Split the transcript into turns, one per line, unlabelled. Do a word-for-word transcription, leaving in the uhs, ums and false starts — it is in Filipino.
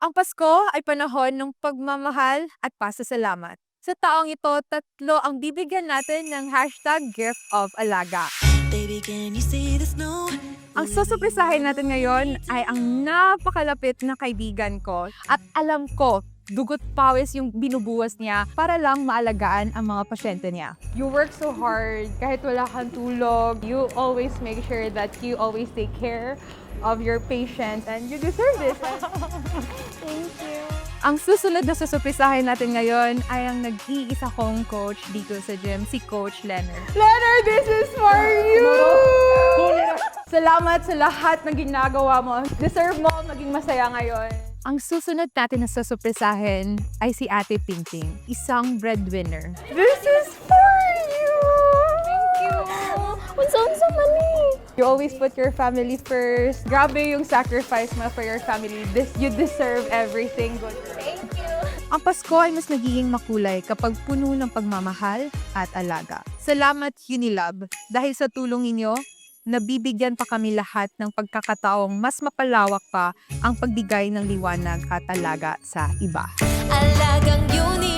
Ang Pasko ay panahon ng pagmamahal at pasasalamat. Sa taong ito, tatlo ang bibigyan natin ng hashtag gift of alaga.
Baby, can you see the snow?
Ang susupresahin natin ngayon ay ang napakalapit na kaibigan ko at alam ko, dugot pawis yung binubuwas niya para lang maalagaan ang mga pasyente niya. You work so hard kahit wala kang tulog. You always make sure that you always take care of your patients and you deserve this.
Thank you.
Ang susunod na susupresahin natin ngayon ay ang nag-iisa kong coach dito sa gym, si Coach Leonard. Leonard, this is for you! Salamat sa lahat ng ginagawa mo. Deserve mo maging masaya ngayon. Ang susunod natin na susupresahin ay si Ate Pingping, isang breadwinner. This is for you!
Thank you. Unsa-unsa man ni?
You always put your family first. Grabe yung sacrifice mo for your family. This, you deserve everything good.
Thank you.
Ang Pasko ay mas nagiging makulay kapag puno ng pagmamahal at alaga. Salamat Unilab dahil sa tulong ninyo, nabibigyan pa kami lahat ng pagkakataong mas mapalawak pa ang pagbigay ng liwanag at alaga sa iba.
Alagang uni